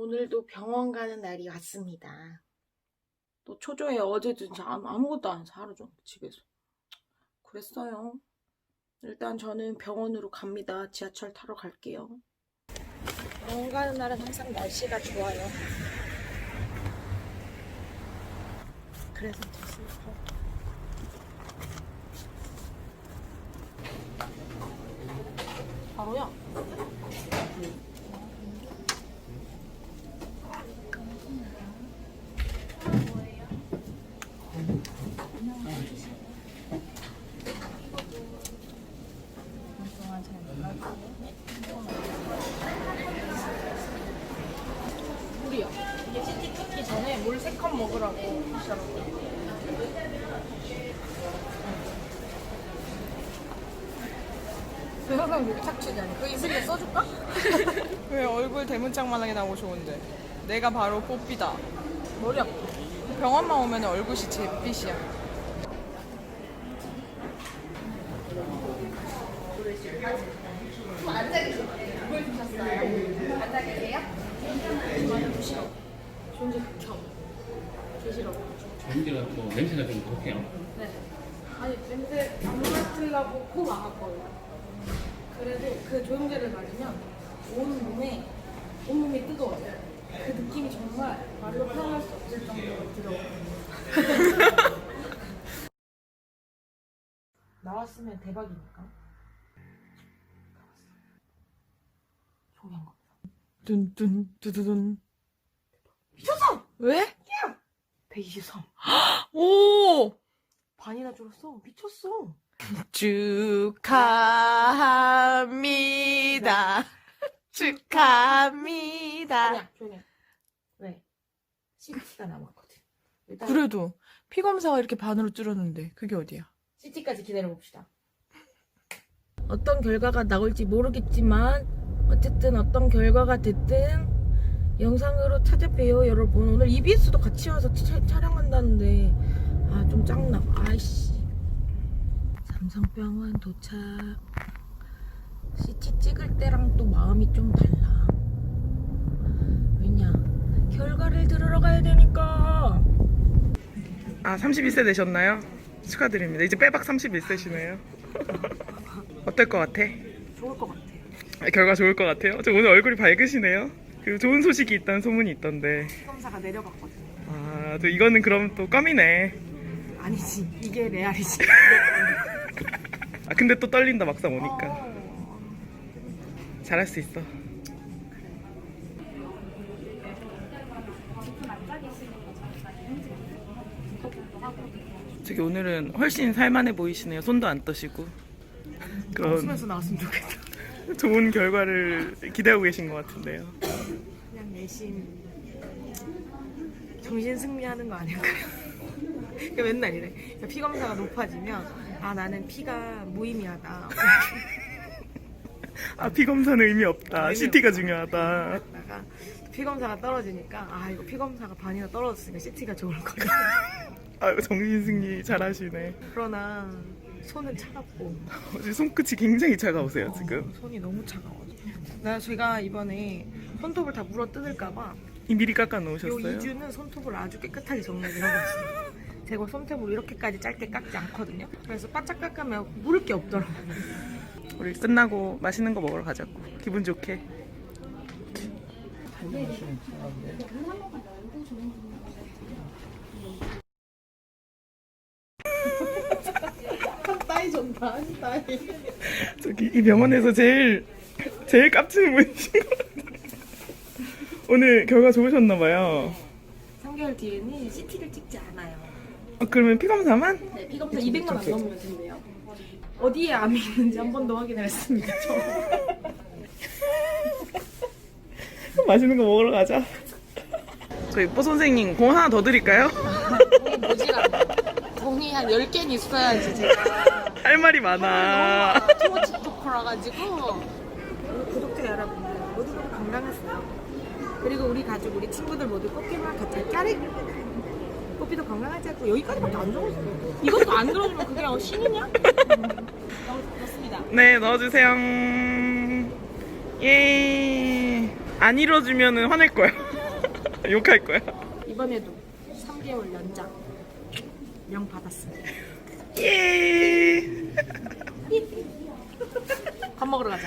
오늘도 병원 가는 날이 왔습니다. 또 초조해. 어제도 진짜 아무것도 안 해서 하루 종일 집에서 그랬어요. 일단 저는 병원으로 갑니다. 지하철 타러 갈게요. 병원 가는 날은 항상 날씨가 좋아요. 그래서 더 슬퍼. 바로야. 물이요. 이게 시티 뜯기 전에 물 3컵 먹으라고 하시더라고요. 그 항상 여기 착취잖아. 그 이슬에 써줄까? 왜 얼굴 대문짝만하게 나오고 좋은데? 내가 바로 뽀삐다. 머리 아파. 병원만 오면 얼굴이 잿빛이야. 앉아 계세요. 물 주셨어요. 앉아 계세요? 저는 싫어. 존재 극혐. 개 싫어. 전기가 또 냄새가 좀 독해요. 네. 아니 냄새 안 맡으려고 코 막았거든요. 그래도 그 조영제를 맞으면 온몸이 뜨거워져요. 그 느낌이 정말 말로 표현할 수 없을 정도로 들어요. 나왔으면 대박이니까. 종이한 겁니다. 뚠뚠 두두둔. 미쳤어! 왜? 123. 오! 반이나 줄었어. 미쳤어. 축하합니다. 축하합니다. 아니야, 조용히 해. 왜? CT가 남았거든. 일단 그래도 피 검사가 이렇게 반으로 줄었는데 그게 어디야? CT까지 기다려봅시다. 어떤 결과가 나올지 모르겠지만 어쨌든 어떤 결과가 됐든 영상으로 찾아봬요 여러분. 오늘 EBS도 같이 와서 촬영한다는데 아 좀 짱나. 아이씨. 삼성병원 도착. CT 찍을 때랑 또 마음이 좀 달라. 왜냐 결과를 들으러 가야 되니까. 아, 31세 되셨나요? 축하드립니다. 이제 빼박 31세시네요. 어떨 것 같아? 좋을 것 같아. 결과 좋을 것 같아요? 저 오늘 얼굴이 밝으시네요. 그리고 좋은 소식이 있다는 소문이 있던데. 검사가 내려갔거든. 아, 또 이거는 그럼 또 껌이네. 아니지 이게 레알이지. 아, 근데 또 떨린다 막상 오니까. 잘할 수 있어. 저기 오늘은 훨씬 살만해 보이시네요. 손도 안 떠시고. 그런 웃으면서 나왔으면 좋겠다. 좋은 결과를 기대하고 계신 것 같은데요. 그냥 내심 정신 승리하는 거 아닐까요? 그러니까 맨날 이래. 그러니까 피 검사가 높아지면 아 나는 피가 무의미하다. 아, 피 검사는 의미 없다. 의미 CT가 없다. 중요하다. 그러다가 피 검사가 떨어지니까 아 이거 피 검사가 반이나 떨어졌으니까 CT가 좋을 거야. 아, 정신 승리 잘하시네. 그러나 손은 차갑고 손끝이 굉장히 차가우세요 지금. 손이 너무 차가워. 제가 이번에 손톱을 다 물어 뜯을까봐 이 미리 깎아 요 놓으셨어요? 2주는 손톱을 아주 깨끗하게 정리를 하고 있어요. 제가 손톱으로 이렇게까지 짧게 깎지 않거든요. 그래서 바짝 깎으면 물을 게 없더라고요. 우리 끝나고 맛있는 거 먹으러 가자고. 기분 좋게. 따이 좋다. 따이. 저기 이 병원에서 제일 깝치는 분이신 것 같아요. 오늘 결과 좋으셨나봐요. 3개월 뒤에는 CT를 찍지 않아요. 그러면 피 검사만? 네, 피검사 200만 안 넘으면 된대요. 어디에 암이 있는지 한 번 더 확인을 했습니다. 맛있는 거 먹으러 가자. 저희 뽀 선생님 공 하나 더 드릴까요? 돈이 모지라네. 돈이 한 10개는 있어야지 제가. 할 말이 많아. 너무 틱톡커라 가지고 우리 구독자 여러분들 모두 건강했어요. 그리고 우리 가족, 우리 친구들 모두 꽃게만 같이 짜릿. 뽀삐도 건강하자고. 여기까지밖에 안 적었어. 이것도 안 들어주면 그게 신이냐? 넣습니다. 네, 넣어주세요. 예. 안 이뤄주면 화낼 거야. 욕할 거야. 이번에도 3개월 연장 명 받았습니다. 예. 밥 먹으러 가자.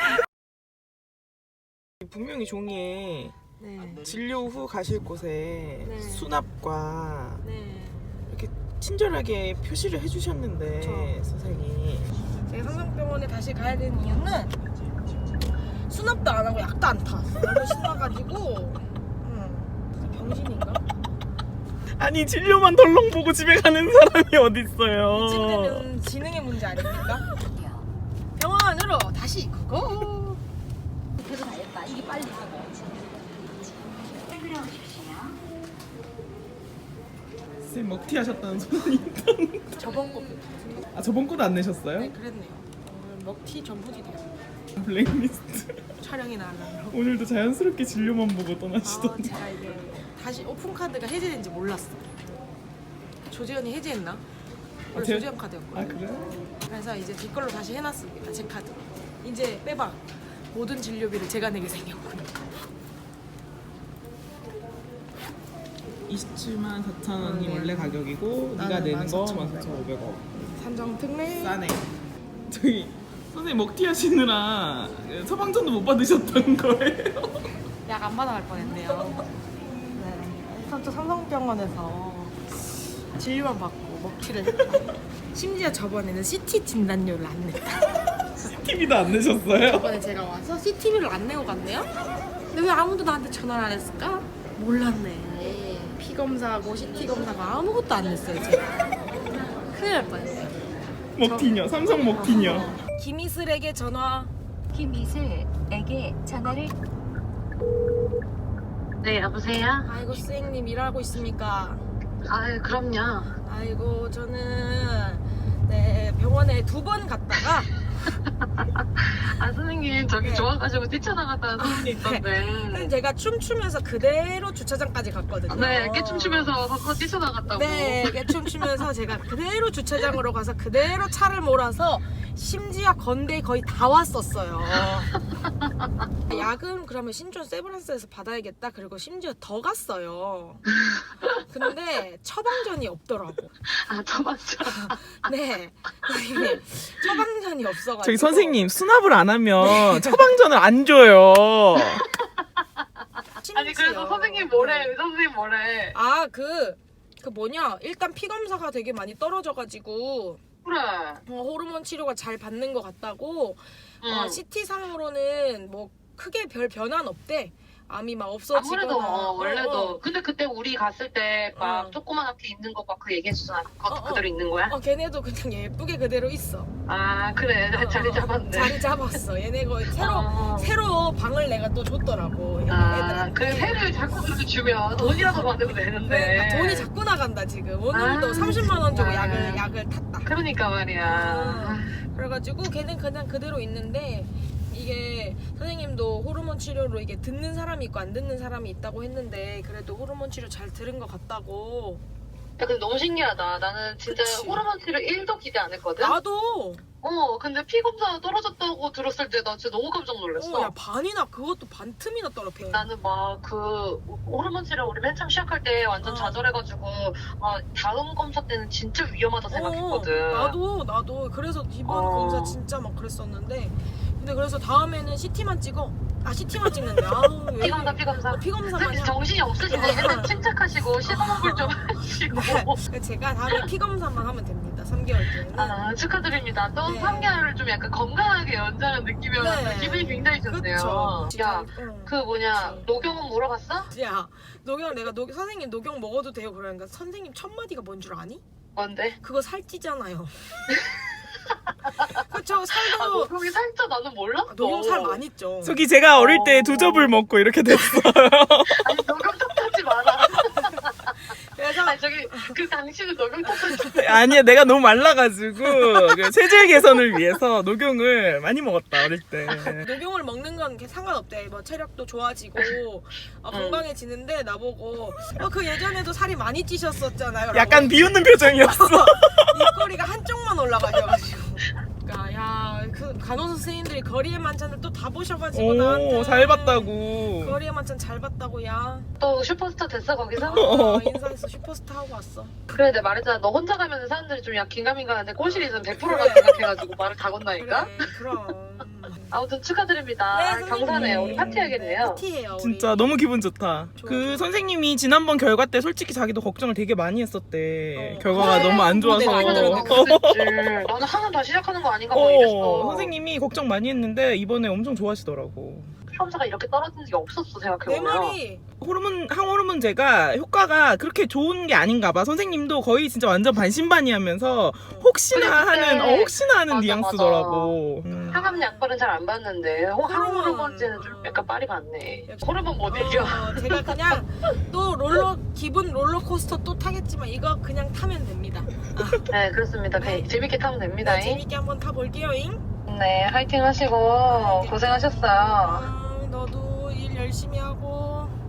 분명히 종이에 네. 진료 후 가실 곳에 네. 수납과 네. 이렇게 친절하게 표시를 해주셨는데 그쵸. 선생님. 제가 삼성병원에 다시 가야 되는 이유는 수납도 안 하고 약도 안 타. 너무 신나가지고. 진짜 병신인가? 아니 진료만 덜렁 보고 집에 가는 사람이 어딨어요. 이쯤되면 지능의 문제 아닙니까? 병원으로 다시 고고. 그래도 다했다. 이게 빨리 하고. 선생님 먹튀 하셨다는 소문이 저번 거. 아 저번 거도 안 내셨어요? 네, 그랬네요. 오늘 먹튀 전분이 돼요. 블랙리스트. 촬영이 나가려고. 오늘도 자연스럽게 진료만 보고 떠나시던데. 제가 이게 다시 오픈 카드가 해제된지 몰랐어. 조재현이 해제했나? 원래 제- 조재현 카드였거든요. 아 그래요? 그래서 이제 제 걸로 다시 해놨습니다. 제 카드. 이제 빼박. 모든 진료비를 제가 내게 생겼군요. 27만 4천 원이 네. 원래 가격이고 네가 나는 내는 거 14,500원. 14,500원. 산정 특례. 싸네. 저기 선생님 먹튀 하시느라 처방전도 못 받으셨던 거예요? 약 안 받아갈 뻔했네요. 네. 일단 또 삼성병원에서 진료만 받고 먹튀를 했다. 심지어 저번에는 CT 진단료를 안 냈다. TV도 안 내셨어요? 저번에 제가 와서 CT비를 안 내고 갔네요? 근데 왜 아무도 나한테 전화를 안 했을까? 몰랐네. 피 검사하고 CT 검사하고 아무것도 안 냈어요, 제가. 큰일 날 뻔했어요. 먹튀녀, 삼성 먹튀녀. 김이슬에게 전화. 김이슬에게 전화를. 네, 여보세요? 아이고, 선생님 일하고 있습니까? 아유, 그럼요. 아이고, 저는 네, 병원에 2번 갔다가 아, 선생님, 저기 네. 좋아가지고 뛰쳐나갔다는 소문이 있던데. 제가 춤추면서 그대로 주차장까지 갔거든요. 네, 깨춤추면서 거기서 뛰쳐나갔다고. 네, 춤추면서 제가 그대로 주차장으로 가서 그대로 차를 몰아서 심지어 건대 거의 다 왔었어요. 약은 그러면 신촌 세브란스에서 받아야겠다. 그리고 심지어 더 갔어요. 근데 처방전이 없더라고. 아, 저 맞죠. 네, 선생님, 처방전이 없어가지고. 저기 선생님 수납을 안 하면 처방전을 안 줘요. 아니, 그래서 선생님 뭐래? 의사 선생님 뭐래? 아, 그 뭐냐, 일단 피 검사가 되게 많이 떨어져가지고 그래. 호르몬 치료가 잘 받는 것 같다고. 응. CT 상으로는 뭐 크게 별 변화는 없대. 암이 막 없어지거나. 아무래도 원래도 근데 그때 우리 갔을 때 막 어. 조그만하게 있는 거 막 그 얘기했잖아. 그것도 어, 어. 그대로 있는 거야? 걔네도 그냥 예쁘게 그대로 있어. 아, 그래. 자리 잡았네. 자리 잡았어. 얘네 거 어. 새로 방을 내가 또 줬더라고. 아, 애들한테. 그 회를 자꾸 그렇게 주면 돈이라도 받으면 되는데. 그러니까 돈이 자꾸 나간다 지금. 오늘도 아, 30만 원 주고 진짜. 약을 탔다. 그러니까 말이야. 그래가지고 걔는 그냥 그대로 있는데, 이게 선생님도 호르몬 치료로 이게 듣는 사람이 있고 안 듣는 사람이 있다고 했는데, 그래도 호르몬 치료 잘 들은 것 같다고. 야, 근데 너무 신기하다. 나는 진짜 그치. 호르몬 치료 1도 기대 안 했거든? 나도. 근데 피 검사 떨어졌다고 들었을 때 나 진짜 너무 깜짝 놀랐어. 야, 반이나, 그것도 반 틈이나 떨어져. 나는 막 그 호르몬 치료 우리 맨 처음 시작할 때 완전 어. 좌절해가지고 다음 검사 때는 진짜 위험하다 생각했거든. 나도 그래서 이번 어. 검사 진짜 막 그랬었는데, 근데 그래서 다음에는 CT만 찍어. CT만 찍는데. 아우, 왜 피 검사, 이래. 피 검사. 피 검사만 선생님 정신이 없으시네. 맨날 침착하시고 시도먹을 좀 하시고. 네. 제가 다음에 피 검사만 하면 됩니다. 3개월 뒤에는. 아, 축하드립니다. 또 네. 3개월을 좀 약간 건강하게 연장한 느낌이었는데 네. 기분이 굉장히 좋네요. 그쵸. 야, 응. 그 뭐냐, 그치. 녹용은 물어봤어? 야, 내가 선생님 녹용 먹어도 돼요? 그러니까 선생님 첫 마디가 뭔 줄 아니? 뭔데? 그거 살찌잖아요. 그쵸, 살도. 녹용이 살쪄 나는 몰랐어. 녹용 살 많이 쪄. 저기 제가 어릴 때 2접을 먹고 이렇게 됐어요. 아니, 녹용 탓하지 마라. 그래서 아니, 저기, 그 당신은 녹용 탓하지 아니야 내가 너무 말라가지고 그 체질 개선을 위해서 녹용을 많이 먹었다 어릴 때. 녹용을 먹는 건 상관없대. 뭐 체력도 좋아지고 건강해지는데, 나보고 그 예전에도 살이 많이 찌셨었잖아요. 약간 비웃는 표정이었어. 입꼬리가 한쪽만 올라가셔가지고. 그러니까 야, 간호사 선생님들이 거리의 만찬을 또 다 보셔가지고 나한테 오, 잘 봤다고. 거리의 만찬 잘 봤다고 야. 또 슈퍼스타 됐어 거기서? 인사했어. 슈퍼스타 하고 왔어. 그래 내가 말했잖아. 너 혼자 가면 사람들이 좀 긴가민가한데 꼴실이 있으면 100%라 생각해가지고 말을 다 건다니까? 그래, 그럼. 아무튼 축하드립니다. 네, 선생님. 경사네요. 우리 파티하겠네요. 파티예요. 우리. 진짜 너무 기분 좋다. 좋아, 그 좋아. 선생님이 지난번 결과 때 솔직히 자기도 걱정을 되게 많이 했었대. 어. 결과가 너무 안 좋아서. 무대가 안 너는 들어가고. 하나 더 시작하는 거 아닌가 뭐 이랬어. 선생님이 걱정 많이 했는데 이번에 엄청 좋아하시더라고. 시험사가 이렇게 떨어진 적이 없었어 내 생각해보면. 말이 항호르몬제가 효과가 그렇게 좋은 게 아닌가 봐. 선생님도 거의 진짜 완전 반신반의하면서 혹시나 그래, 그때. 하는 맞아, 뉘앙스더라고. 항암 약발은 잘 안 받는데 항호르몬제는 좀 약간 빨리 받네. 호르몬 못 이겨. 제가 그냥 또 기분 롤러코스터 또 타겠지만 이거 그냥 타면 됩니다. 네 그렇습니다. 재밌게 타면 됩니다. 네, 재밌게 한번 타볼게요잉. 네 화이팅 하시고 고생하셨어요. 너도 일 열심히 하고